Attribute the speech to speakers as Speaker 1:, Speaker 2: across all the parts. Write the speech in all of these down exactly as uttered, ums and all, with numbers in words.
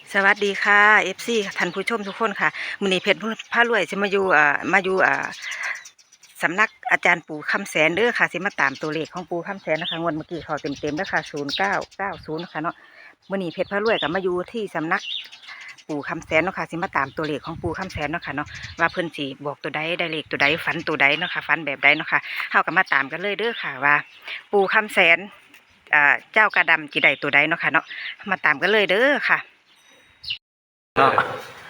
Speaker 1: สวัสดีค่ะ เอฟ ซี ท่านผู้ชมทุกคนค่ะมื้อนี้เพชรพารวยสิมาอยู่อ่ามาอยู่อ่าสำนักอาจารย์ปู่คำแสนเด้อค่ะสิมาตามตัวเลขของปู่คำแสนนะคะงวดเมื่อกี้เขาเต็มๆเด้อค่ะศูนย์เก้าเก้าศูนย์นะคะเนาะมื้อนี้เพชรพารวยก็มาอยู่ที่สำนักปู่คำแสนเนาะค่ะสิมาตามตัวเลขของปู่คำแสนเนาะค่ะเนาะว่าเพิ่นสิบอกตัวใดได้เลขตัวใดฝันตัวใดเนาะค่ะฝันแบบใดเนาะค่ะเฮาก็มาตามกันเลยเด้อค่ะว่าปู่คำแสนอ่าเจ้ากระดำจิได้ตัวใดเนาะค่ะเนาะมาตามกันเลยเด้อค่ะ
Speaker 2: เนาะ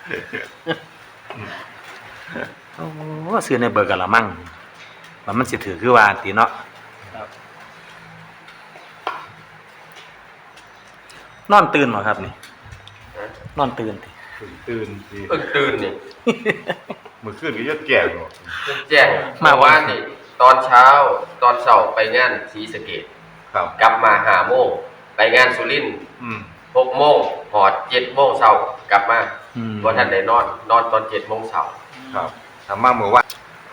Speaker 2: โอ้ซื้อในเบอร์กะละมั่งว่ามันสิถือคือว่าติเนาะนอนตื่นบ่ครับนี่นอนตื่นติ
Speaker 3: ตื่นสิ
Speaker 4: เพิ่งตื่นนี่
Speaker 3: เมื่อคืนก็ยอดแก่เนาะ
Speaker 4: แจ้งมาว่านี่ตอนเช้าตอนเช้าไปงานศรีสะเกษ
Speaker 3: ครับ
Speaker 4: กลับมาห้าโมงไปงานสุรินทร์
Speaker 3: อืม
Speaker 4: หกโมงหอดเจ็ดโมงเช้ากลับมาบ่ทันได้นอนนอนตอนเจ็ดโมงเช้า
Speaker 3: ครับทำมาเมื่อวาน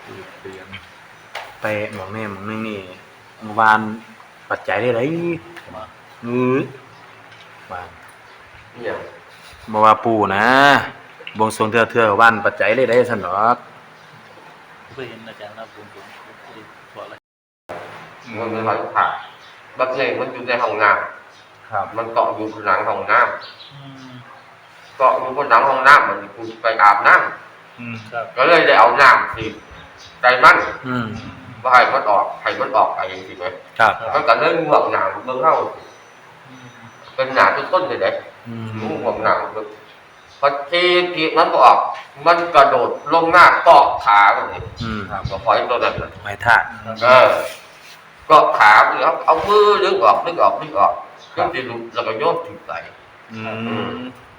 Speaker 2: ไปหมองแม่หมองนึงนี่เมื่อวานปัจจัยได้เลยมือวาน
Speaker 4: เนี่ย
Speaker 2: บ่ว่าปู่นะบวงสรวงเทื่อๆวันปัจจัยเลยได้ซั่นดอก
Speaker 5: เคยเห็นอาจารย์นะผมผมเคยบอกอะไร
Speaker 4: มันเป็นวันผ่าบักเล่มันอยู่ในห้องน้ำ
Speaker 3: ครับ
Speaker 4: มันเกาะอยู่บนหลังห้องน้ำเกาะอยู่บนหลังห้องน้ำมันกูไปอาบน้ำ
Speaker 3: อืม
Speaker 5: ครับ
Speaker 4: ก็เลยได้เอาน้ำสิใจมัน
Speaker 2: อืม
Speaker 4: ว่าให้มันออกให้มันออกไปจริงๆไหม
Speaker 2: ครับ
Speaker 4: มันก็เลยห่วงหนามเบิ่งเฮาเป็นหนาทุกต้นเลยเด้
Speaker 2: อืม
Speaker 4: ห่วงหนามเบิ่งพอทีกีมันบ่ออกมันกระโดดลงหน้าเกาะขาแบบนี้
Speaker 2: อืม
Speaker 4: ครับก็ปล่อยตัวนั้นเลย
Speaker 2: ไม้ทาก
Speaker 4: เออเกาะขาแล้วเอามือดึงออกดึงออกดึงออกจนสิหลุดแล้วก็โยนทิ้งไป
Speaker 3: อืม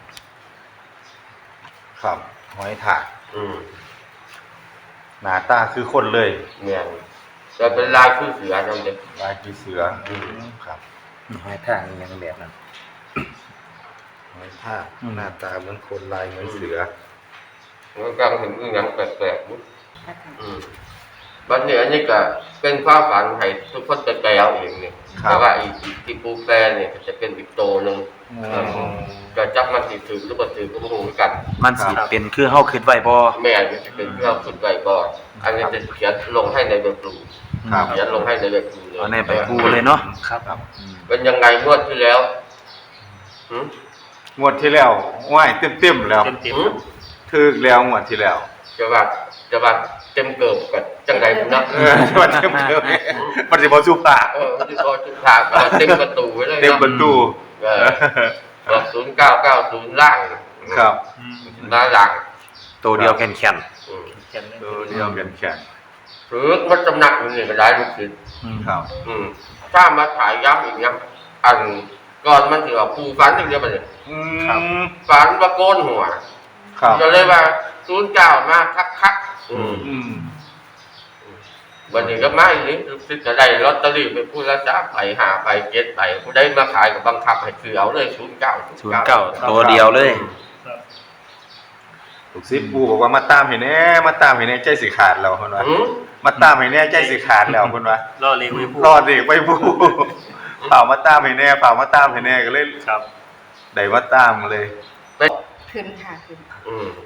Speaker 3: ครับหอยถาก
Speaker 4: อืม
Speaker 3: หน้าตาคือคนเลย
Speaker 4: เนี่ยแต่เป็นลายคือเสือจังเด้
Speaker 3: ลายคือเสืออืมครับ
Speaker 2: ไม้ทากนี่ยังแบบนั้น
Speaker 3: หอยถากหน้าตาเหมือนคนลายเหมือนเสือ
Speaker 4: มันก็เห็นอีหยังแปลกๆบุ๊อืมบัดนี้อันนี้ก็เป็นความฝันให้ทุกคนไปแปลเอาเองนี่แต่ว่าอีกที่ปูแปลเนี่ยจะเป็นอีกโตนึงก็จักมันสิถือหรือบ่ถือก็บ่รู้เหมือนกัน
Speaker 2: มันสิเป็นคือเฮาคิดไว้บ่
Speaker 4: แม่นี่จะเป็นเรื่องสุดไว้ก่อนอันนี้จะเขียนลงให้ในเว็บดูเขียนลงให้ในเว็บดูเลย
Speaker 2: เอาในใบกูเลยเนาะ
Speaker 5: ครับ
Speaker 4: เป็นยังไงงวดที่แล้วหึ
Speaker 3: งวดที่แล้วว่ายเต็มๆแล้ว
Speaker 5: เต็มเต็ม
Speaker 4: หึ
Speaker 3: ถึกแล้วงวดที่แล้ว
Speaker 4: จะว่าจะว่าเต็มเกิบกับจังไดพุ่นนะ
Speaker 3: เออมันเต็มเต็มมันสิบ่สุภาพ
Speaker 4: เออที่พอจุดทางก็เต็มประตูไว้เลย
Speaker 3: เต็มประตู
Speaker 4: เออบอกศูนย์เก้าเก้าศูนย์ล่าง
Speaker 3: ครับ
Speaker 4: หน้าหลัง
Speaker 2: ตัวเดียวแข็ง
Speaker 4: อืม
Speaker 5: เขียนเลย
Speaker 3: ตัวเดียวกันแข่ง
Speaker 4: หรือมันจำหนักอยู่นี่ก็ได้ลูกศิษย์
Speaker 2: ๆอืม
Speaker 3: ครับ
Speaker 4: อืมถ้ามาถ่ายย้ำอีกนะอันก่อนมันถือว่าปูฝันอย่างเดียวไปเลย
Speaker 3: อืม
Speaker 4: ฝันว่าโกนหัว
Speaker 3: ครับ
Speaker 4: ก็เลยว่าศูนย์เก้ามาคักคักๆอืม
Speaker 3: อืม
Speaker 4: วันนี้ก็มาอีกนิดลูกศิษย์ก็ได้ลอตเตอรี่ไปพูดละจ้าไปหาไปเก็ตไปผู้ได้มาขายกับบังคับให้ซื้อเอาเลยศูนย์เก้า
Speaker 2: ศูนย์เก้าตัวเดียวเลย
Speaker 5: ครับ
Speaker 3: ลูกศิษย์ปู่บอกว่ามาตามให้แน่มาตามให้แน่ใจสิขาดแล้วเพิ่นว่า
Speaker 4: อืม
Speaker 3: มาตามให้แน่ใจสิขาดแล้วเพิ่นว่า
Speaker 5: ล่อเลี้ยงไว้พูด
Speaker 3: รอดอีกไม่ปู่เปล่ามาตามให้แน่เปล่ามาตามให้แน่ก็เลย
Speaker 5: ครับ
Speaker 3: ได้มาตามเลย
Speaker 1: ขึ้นค่ะขึ้น
Speaker 4: อืม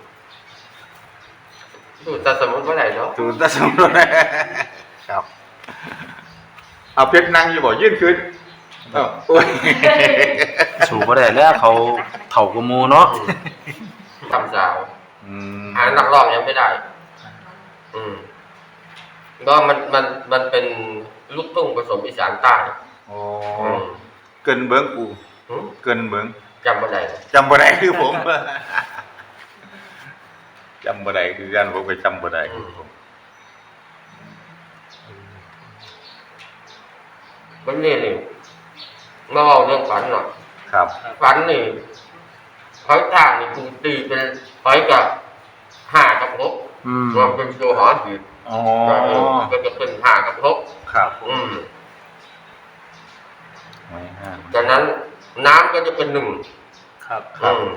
Speaker 4: ดูแต่สมมติว่าไหนเนาะ
Speaker 3: ถูกตาสมรสครับเอาเพชรนั่งอยู่บ่ยื่นขึ้นเอ้าโอ้ย
Speaker 2: สูบ่ได้แล้วเขาเฒ่ากว่าหมู่เนาะ
Speaker 4: ทำสาว
Speaker 3: อืม
Speaker 4: หานักร้องยังไม่ได้ อืมก็มันมันมันเป็นลูกทุ่งผสมอีสานใต้
Speaker 3: โอ้
Speaker 4: อืม
Speaker 3: เกินเบิ่งปู่
Speaker 4: หืม
Speaker 3: เกินเบิ่ง
Speaker 4: จำบ่ได้
Speaker 3: จำบ่ได้คือผม จำบ่ได้คือกันผมก็จำบ่ได้คือผม
Speaker 4: วันนี้นี่มาเอาเรื่องฝันหน่อย
Speaker 3: ครับ
Speaker 4: ฝันนี่หอยทากนี่คือตีเป็นหอยกับห้ากับหก
Speaker 2: อืม
Speaker 4: รวมเป็นตัวหอหีบ
Speaker 3: อ๋อ
Speaker 4: ก็จะเป็นห้ากับหก
Speaker 3: ครับ
Speaker 4: อืม
Speaker 3: ไว้ห้า
Speaker 4: จากนั้นน้ำก็จะเป็นหนึ่ง
Speaker 5: ครับ
Speaker 4: อืม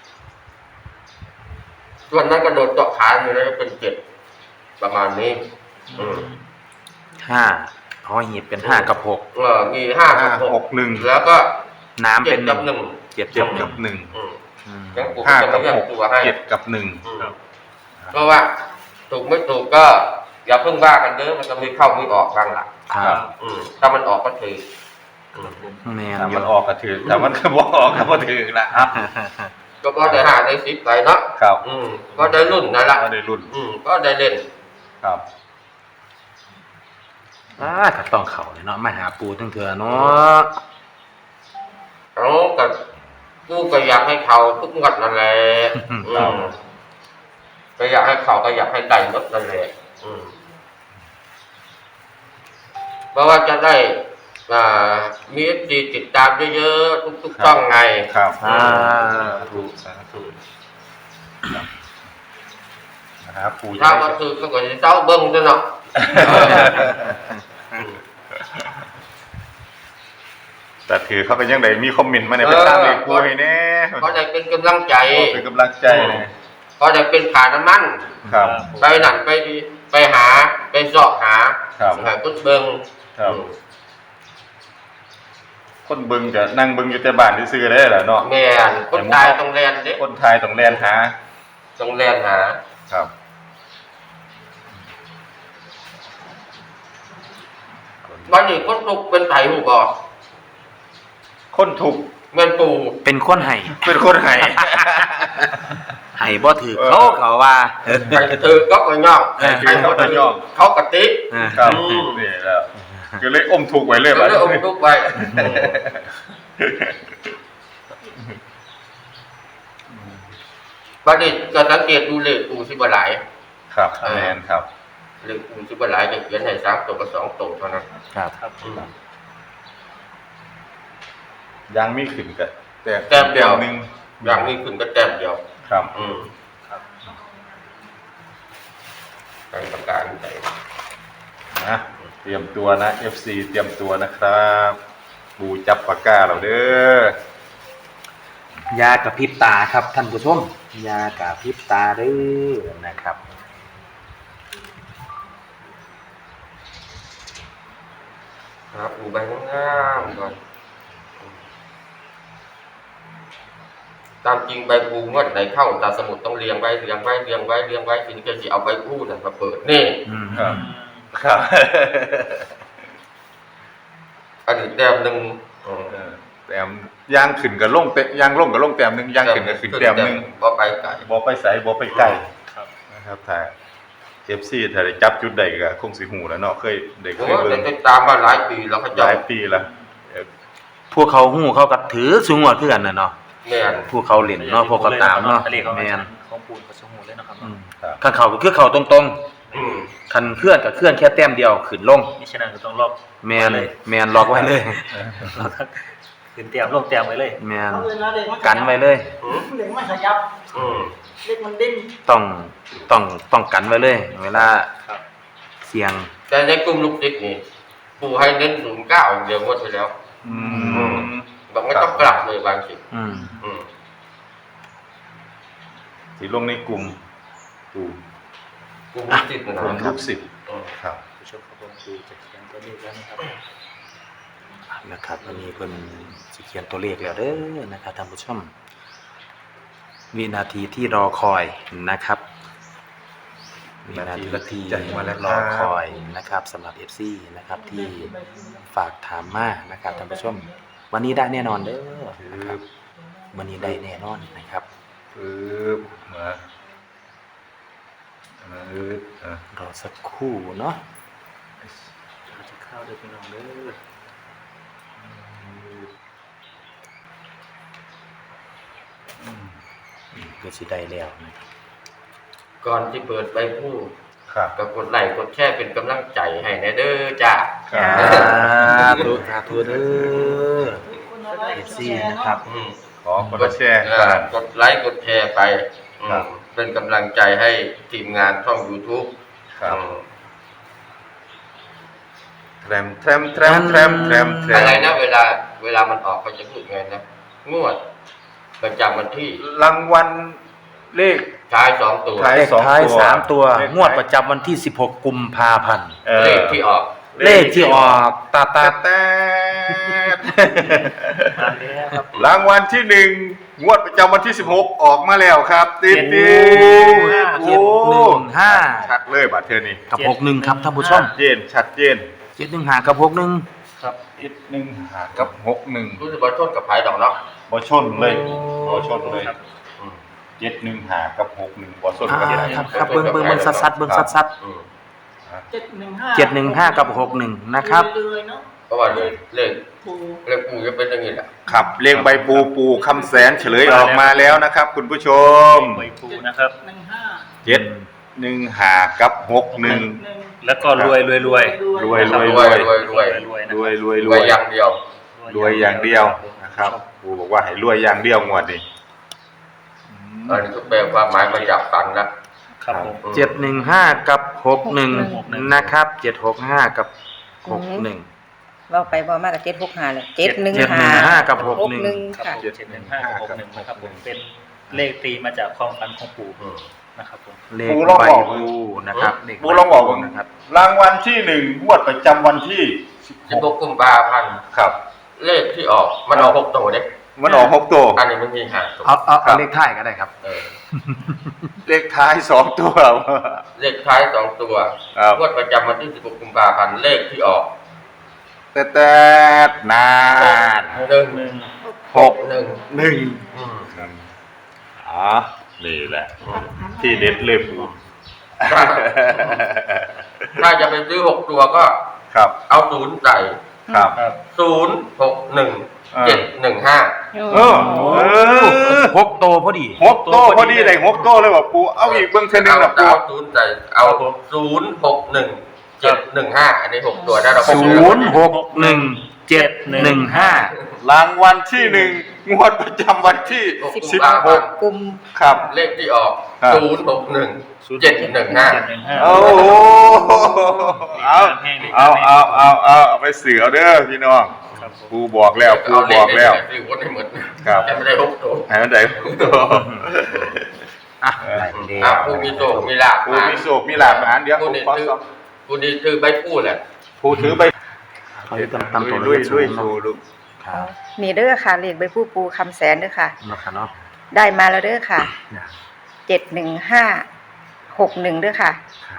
Speaker 4: ส่วนนั้นกระโดดเจาะขาอยู่แล้วจะเป็นเจ็ดประมาณนี้ อืม
Speaker 2: ห้าหอหีบเป็นห้ากับหก
Speaker 4: เออมีห้ากับห
Speaker 3: ห
Speaker 4: ก
Speaker 3: กหนึ่ง
Speaker 4: แล้วก็
Speaker 2: น้ำ
Speaker 4: เจ็
Speaker 2: เป็
Speaker 4: ด
Speaker 2: นห
Speaker 4: กั
Speaker 2: นึ่
Speaker 4: บ
Speaker 2: ง
Speaker 4: หนึ่ง
Speaker 2: เจ็ด
Speaker 3: เจ็
Speaker 2: กั
Speaker 3: ด
Speaker 2: บหนึ่
Speaker 3: กั
Speaker 2: ง
Speaker 3: บหนึ่ง
Speaker 4: อืม
Speaker 2: อืม
Speaker 4: ยังปู่
Speaker 3: ห้า
Speaker 4: จะ
Speaker 3: กั
Speaker 4: ไม่
Speaker 3: บ
Speaker 4: เรียก
Speaker 3: หก
Speaker 4: ตัวให้
Speaker 3: เจ็ดกับหนึ่ง
Speaker 4: อืมเพราะว่าถูกไม่ถูกก็ อย่าเพิ่งว่ากันเด้อมันจะมีเข้ามีออกบ้างล่ะ
Speaker 2: ครับ
Speaker 4: อืมถ้ามันออกก็ถืออืม
Speaker 2: แม่น
Speaker 3: ถ้า
Speaker 2: อ
Speaker 3: มั
Speaker 2: ยู่
Speaker 3: นออกก็ถือแต่มันก็บ่ออกก็บ่ถือนะครับ
Speaker 4: ก็พอได้หาได้สิบไปเนาะ
Speaker 3: ครับ
Speaker 4: อืมก็ได้รุ่นนั่นละ
Speaker 3: ก็ได้รุ่น
Speaker 4: อืมก็ได้เล่น
Speaker 3: ครับ
Speaker 2: อ่าก็ต้องเข้าเลยเนาะมาหาปูตั้งเถื่อเนาะ
Speaker 4: เอาก็กูก็อยากให้เขาทุกงวดนั่นแหละอืมก็อยากให้เขาก็อยากให้ได้หมดนั่นแหละอืมเพราะว่าจะได้อ่ามีเอฟซีติดตามเยอะๆทุกๆช่องไง
Speaker 3: ครับ
Speaker 2: อ่า
Speaker 3: ถูกสาธุครับนะครับปู่
Speaker 4: ถ้าว่าคือก็ก็จะเจ้าเบิ้งซะเนาะ
Speaker 3: แต่ถือเขาเป็นยังไงมีคอมเมนต์มาเนี่ยไปตามเลขปู่ให้แน่
Speaker 4: ก็ได้เป็นกำลังใจ
Speaker 3: เป็นกำลังใจเลย
Speaker 4: ก็ได้เป็นขาน้ำมัน
Speaker 3: ครับ
Speaker 4: ไปนั่นไปนี่ไปหาไปเสอบหา
Speaker 3: ครับ
Speaker 4: หาต้นเบิ้ง
Speaker 3: ครับ คนเบิ่งจะนั่งเบิ่งอยู่แต่บ้านซื่อๆได้แหละเนาะ
Speaker 4: แม่นคนตายต้องแลนเด้
Speaker 3: คนไทยต้องแลนหา
Speaker 4: ต้องแลนหา
Speaker 3: ครับ
Speaker 4: วันนี้คนตกเป็นไผ่หูบ่
Speaker 3: คนถูกข์
Speaker 4: เงินปู
Speaker 2: เป็นคนให้
Speaker 3: เป็นคนไห้
Speaker 2: ให้บ่ถือเขาเขาว่า
Speaker 4: ใครถือก็ก็ย่อง
Speaker 2: เออ
Speaker 4: ใครบ่ถือเขากติ
Speaker 2: อ่า
Speaker 3: ครับ
Speaker 4: อืม
Speaker 3: นี่แล้วก็เลยอมทุกข์ไว้เลย
Speaker 4: ก็
Speaker 3: บัด
Speaker 4: เลยอมทุกข์ไว้บัดนี้ก็สังเกตดูเลขปูสิบ่หลาย
Speaker 3: ครับแม่นครับ
Speaker 4: เลขปูสิบ่หลายจะเขียนให้สามตัวกับสองตัวเท่านั้น
Speaker 2: ครับ
Speaker 5: ครับ
Speaker 4: อืม
Speaker 3: ยังมีขึ้นก็แต่
Speaker 4: แต้มเดียว
Speaker 3: หนึง
Speaker 4: อย่างนี้ขึ้นก็แต้มเดียว
Speaker 3: ครับ
Speaker 4: อืม
Speaker 5: ครับ
Speaker 4: ทางประการใจ
Speaker 3: นะเตรียมตัวนะ เอฟ ซี เตรียมตัวนะครับปูจับปากกาเราเด้อย
Speaker 2: ากระพริบตาครับท่านผู้ชมยากระพริบตาเด้อนะครับ
Speaker 4: ครับอูใบงามๆก่อนตามจริงใบปูงวดไหนเข้าตาสมุดต้องเรียงไว้เรียงไว้เรียงไว้เรียงไว้ถึงจะสิเอาใบพูนั่นมาเปิดนี่
Speaker 2: อืม
Speaker 3: ครับครับ
Speaker 4: อันนี้แต้มหนึ่งอืม
Speaker 3: เออแต้มย่างขึ้นกับลงเตะย่างลงกับลงแต้มหนึงย่างขึ้นกับขึ้นแต้มหนึง
Speaker 4: บ่ไปไกล
Speaker 3: บ่ไปไสบ่ไปใกล้
Speaker 5: ครับ
Speaker 3: นะครับถ้า เอฟ ซี ถ้าได้จับจุดใดก็คงสิหูแล้วเนาะเคยได้เค
Speaker 4: โอ้
Speaker 3: ย
Speaker 4: ย
Speaker 3: เบิ่ง
Speaker 4: ติดตามมาหลายปีแล้วเขา
Speaker 3: ห
Speaker 4: เจ้า
Speaker 3: ลายปีแล้วเออ
Speaker 2: พวกเขาหู้เขาก็ถือสูงกว่าเพื่อนน่ะเนาะ
Speaker 4: แม่น
Speaker 2: พวกเขาเล่นเนาะพวกเขาตามเนาะ
Speaker 5: ทะเลเขา
Speaker 2: แม่น
Speaker 5: ของปูนกระชงหูเลยนะครับ
Speaker 2: อืม
Speaker 3: ครับ
Speaker 2: คันเขาก็คือเขาตรง
Speaker 4: อืม
Speaker 2: ๆคันเคลื่อนก็เคลื่อนแค่แต้มเดียวขึ้นลง
Speaker 5: นี่ฉะนั้นก็ต้องลอก
Speaker 2: แมนแมนล็อกไว้เลย
Speaker 5: ลอกขึ้นเตรียมลงเตรียมไว้เลย
Speaker 2: แมน
Speaker 6: เอาเวลาเด็กมัน
Speaker 2: กันไว้เลย
Speaker 4: อืม
Speaker 6: เด็กมันขยับ
Speaker 4: อืม
Speaker 6: เด็กมันดิ้น
Speaker 2: ต้องต้องต้องกันไว้เลย เวลา
Speaker 5: ครับ
Speaker 2: เสียง
Speaker 4: แต่ในกลุ่มลูกศิษย์นี่ปูให้เน้นศูนย์เก้าอย่างเดียวงวดไปแล้ว
Speaker 3: อืม
Speaker 4: บอกไม่ต้องกลับเลยบางสิ
Speaker 2: อืม
Speaker 4: อืม
Speaker 3: สิลงในกลุ่มกลุ่ม
Speaker 4: กลุ่มลูกศิษย์นะ
Speaker 3: กลุ่ม
Speaker 4: ค
Speaker 3: ลู
Speaker 4: รับ
Speaker 3: กศิษย์
Speaker 4: อืม
Speaker 3: ครับ
Speaker 5: ผู้ชมครับผมปูจะเขียนตัวเลขแล้วนะครับ
Speaker 2: นะครับวันนี้เพิ่นสิเขียนตัวเลขแล้วเด้อนะครับท่านผู้ชมวินาทีที่รอคอยนะครับวินาทีที่รอคอยนะครับสำหรับ เอฟ ซี นะครับที่ฝากถามมานะครับท่านผู้ชม วันนี้ได้แน่นอนเด้อนะครับวันนี้ได้แน่นอนนะครับ
Speaker 3: ปึ๊บมาปึ๊บอ่ะ
Speaker 2: รอสักครู่เนาะ
Speaker 5: เราจะเข้าเด้อพี่น้องเด้อ
Speaker 2: ก็สิได้แล้วนะครับ
Speaker 4: ก่อนที่เปิดใบพูด
Speaker 3: ครับ
Speaker 4: ก็กดไลค์กดแชร์เป็นกำลังใจให้นะเด้อจ้า
Speaker 3: ครับ
Speaker 2: สาธุสาธุเด้อ เอฟซี นะครับ
Speaker 4: อืม
Speaker 3: ขอกดแชร์
Speaker 4: เอ่
Speaker 3: กั
Speaker 4: อน กดไลค์กดแชร์ไปอืม
Speaker 3: ครับ
Speaker 4: เป็นกำลังใจให้ทีมงานช่อง YouTube
Speaker 3: ครับ
Speaker 4: อืม
Speaker 3: แทรมแทรมแทรมแทรมแทรมแทรม
Speaker 4: อะไรนะเวลาเวลามันออกเขาจะพูดไงนะงวดประจำวันที่
Speaker 3: รางวัลเลข
Speaker 4: ท้ายสองตัว
Speaker 3: ท้าย
Speaker 2: เลขท้ายสามตัว
Speaker 3: เลขท้าย
Speaker 2: งวดประจำวันที่สิบหกกุมภาพันธ์
Speaker 3: เออ
Speaker 4: เลขที่ออก
Speaker 2: เลขที่ออกตาตา
Speaker 3: แต่
Speaker 5: มาแล้วครับ
Speaker 3: รางวัลที่หนึ่งงวดประจำวันที่สิบหกออกมาแล้วครับติดติด
Speaker 2: เจ็ดหนึ่งห้า
Speaker 3: ชัดเลยบัดเทอนี่
Speaker 2: กับหกหนึ่งครับท่านผู้ชม
Speaker 3: ชัดเจนชัดเจน
Speaker 2: เจ็ดหนึ่งห้ากับหกหนึ่ง
Speaker 5: ครับ
Speaker 3: เจ็ดหนึ่งหากับหกหนึ่ง
Speaker 4: รู้สึกว่าชนกับไผ่ดอกเนาะ
Speaker 3: บ่ชนเลยบ่ชนเลย
Speaker 5: ครับ
Speaker 4: อืม
Speaker 3: เจ็ดหนึ่งหากับหกหนึ่งบ่ชน
Speaker 2: อ่า
Speaker 3: กัน
Speaker 2: ครับครับเบิ้งเบิ้งเบิ้งซัดซัดเบิ้งซัดซัด
Speaker 4: อืม
Speaker 5: เจ็ดหนึ่งห้า
Speaker 2: เจ็ดหนึ่งห้ากับหกหนึ่งนะครับ
Speaker 5: เลยเนาะ
Speaker 4: เพราะว่าเลขเลข
Speaker 5: ปู
Speaker 4: เลขปูจะเป็นอย่างนี้แหละ
Speaker 3: ครับเลขใบปูปูคำแสนเฉลยออกมาแล้วนะครับ คุณผู้ชม
Speaker 5: ใบปูนะครับหนึ่งห้า
Speaker 3: เจ็ดหนึ่งหากับหกหนึ่ง
Speaker 5: แล้วก็รวยรวยรวย
Speaker 3: รวยรวย
Speaker 4: รวยรวยรวย
Speaker 5: รวยนะ
Speaker 3: รวยรวย
Speaker 4: ร
Speaker 3: ร
Speaker 4: ว
Speaker 3: วย ย
Speaker 4: อย่างเดียว
Speaker 3: รวยอย่างเดียวนะครับปูบอกว่าให้รวยอย่างเดียวงวดนี้
Speaker 4: อันนี้ก็แปลความหมายมาจากฝันนะครับ
Speaker 5: ผม
Speaker 2: เจ็ดหนึ่งห้ากับหกหนึ่งนะครับเจ็ดหกห้ากับหกหนึ่ง
Speaker 1: เว้าไปเว้ามากับเจ็ดหกห้าเลยเจ็ดหนึ่ง
Speaker 2: เจ็ดหนึ่งห้ากับหกหนึ่ง
Speaker 1: หนึ่ง
Speaker 5: ครับ
Speaker 1: ค่ะ
Speaker 5: ผมเจ็ดหนึ่งห้ากับหกหนึ่งนะครับผมเป็นเลขตีมาจากความฝันของปู่
Speaker 4: อืม
Speaker 5: นะครับผม
Speaker 2: เลข
Speaker 3: ปูลอง
Speaker 2: ใบ
Speaker 3: บอก
Speaker 2: ปูนะครับเลข
Speaker 3: ปูลองบอก
Speaker 2: ใบ
Speaker 3: ผม
Speaker 2: นะครับ
Speaker 3: รางวัลที่หนึ่งงวดประจำวันที่สิบ
Speaker 4: สิบ
Speaker 3: ห
Speaker 4: ห
Speaker 3: ก
Speaker 4: กกุมภาพันธ์
Speaker 3: ครับ
Speaker 4: เลขที่ออกมันออกหกตัวเนี่ย
Speaker 3: มันออกหกตัว
Speaker 4: อันนี้มันมีห้าตัว
Speaker 2: เอาเอา
Speaker 3: ครั
Speaker 2: เอา
Speaker 3: บ
Speaker 2: เลขท้ายก็ได้ครับ
Speaker 4: เออ
Speaker 3: เลขท้ายสองตัว
Speaker 4: เลขท้ายสองตัว
Speaker 3: ครับ
Speaker 4: งวดประจำวันที่สิบหกกุมภาพันธ์เลขที่ออก
Speaker 3: แต่แต่นาน
Speaker 4: หนึ่ง
Speaker 5: หนึ่ง
Speaker 3: หก
Speaker 4: หนึ่ง
Speaker 3: หนึ่ง
Speaker 4: อืม
Speaker 3: อ๋อนี่แหละ ที่เด็ดเลยปู
Speaker 4: ถ้าถ้าจะไปซื้อหกตัวก็
Speaker 3: ครับ
Speaker 4: เอาศูนย์ใส่
Speaker 3: ครับ
Speaker 5: ครับ
Speaker 4: ศูนย์หกหนึ่งเจ็ดหนึ่งห้า
Speaker 3: เออเออ
Speaker 2: หกโตพอดี
Speaker 3: หกโต้พอดีเลยหกโต้เลยบอกปูเอาอีกเบื้องเส้นหนึ่ง
Speaker 4: เอา
Speaker 3: นะปู
Speaker 4: เอาศูนย์ใส่เอาศูนย์หกหนึ่งเจ็ดหนึ่งห้าอันนี้หกตัวได้เรา
Speaker 2: ศูนย์หกหนึ่งเจ็ดหนึ่งห้าร
Speaker 3: างวัลที่หนึ่งงวดประจำวันที่สิบหก
Speaker 1: กลุ่ม
Speaker 3: ครับ
Speaker 4: เลขที่ออก
Speaker 3: ครับ
Speaker 4: ศูนย์หกหนึ่งเจ็ดหนึ่งห้า
Speaker 5: เจ็ดหนึ่งห้า
Speaker 3: โอ้โหเอาเอาเอาเอาเอาเอาไปเสือเด้อพี่น้อง
Speaker 5: ครับผม
Speaker 3: ปูบอกแล้วปูบอกแล้ว
Speaker 4: ซื้อวนให้หมด
Speaker 3: ครับ
Speaker 4: แต่ไม่ได้หกตัว
Speaker 3: ให้มันได้หกตัว
Speaker 2: อ่ะได้เดี
Speaker 4: อ่ะ
Speaker 2: ยว
Speaker 4: ผู้มีโชคมีลาภ
Speaker 3: ปูมีโศกมีหลาบหานเดี๋ยวผ
Speaker 4: ผู้
Speaker 3: ม
Speaker 4: นี้
Speaker 3: ขอ
Speaker 4: ถือ
Speaker 3: สอบ
Speaker 4: ผู้นี้ถือใบพูดแหละ
Speaker 3: ปูถือไป
Speaker 2: เขาจะตำตัว
Speaker 3: ลุย
Speaker 2: เล
Speaker 3: ลุย
Speaker 2: ข
Speaker 3: ลุยชูลูก
Speaker 2: ครับ
Speaker 1: นี่เด้อค่ะเลขใบผู้ปูคำแสนเด้อค่ะ
Speaker 2: นะครับเนาะ
Speaker 1: ได้มาแล้วเด้อค่ะเจ็ดหนึ่งห้าหกหนึ่งเด้อค่ะ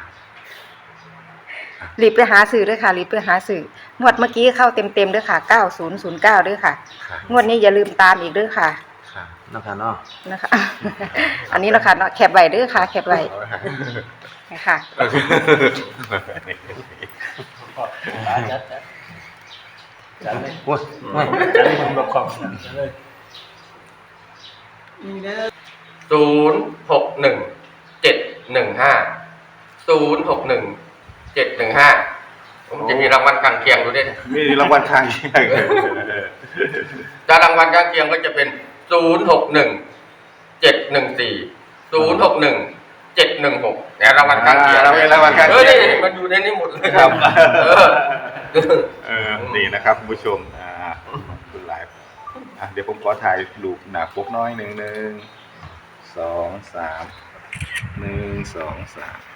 Speaker 1: รีบไปหาสื่อเด้อค่ะรีบไปหาสื่องวดเมื่อกี้เข้าเต็มเต็มๆเด้อค่ะเก้าศูนย์ศูนย์เก้าเด้อค่ะ งวดนี้อย่าลืมตามอีกเด้อค่ะ
Speaker 2: นะครับเนาะ
Speaker 1: นะคะ อันนี้เนาะค่ะเนาะแคปไว้เด้อค่ะ แคปไว้นะคะ
Speaker 5: จัดจัดจัดเลย
Speaker 2: โอ้ยโอ้ย
Speaker 5: จัดเลยผมบอกของจัดเลย
Speaker 4: ศูนย์หกหนึ่งเจ็ดหนึ่งห้าศูนย์หกหนึ่งเจ็ดหนึ่งห้าผมจะมีรางวัลกลางเคียงดูด้วย
Speaker 3: มีรางวัลทางเคียง
Speaker 4: จะรางวัลกลางเคียงก็จะเป็นศูนย์หกหนึ่งเจ็ดหนึ่งสี่ศูนย์หกหนึ่งเจ็ดหนึ่งหกเนี่ยรางวัลกลางเคียง
Speaker 3: รางวัลกลาง
Speaker 4: เอ
Speaker 3: เคี
Speaker 4: อย นี่
Speaker 3: ง
Speaker 4: มันอยู่ในนี้หมดเลย
Speaker 3: ครับ
Speaker 4: เออ
Speaker 3: เออนี่นะครับคุณผู้ชมอ่าคุณไลฟ์อ่ะเดี๋ยวผมขอถ่ายรูปหนาปกน้อยหนึ่งหนึ่งสองสามหนึ่งสองสาม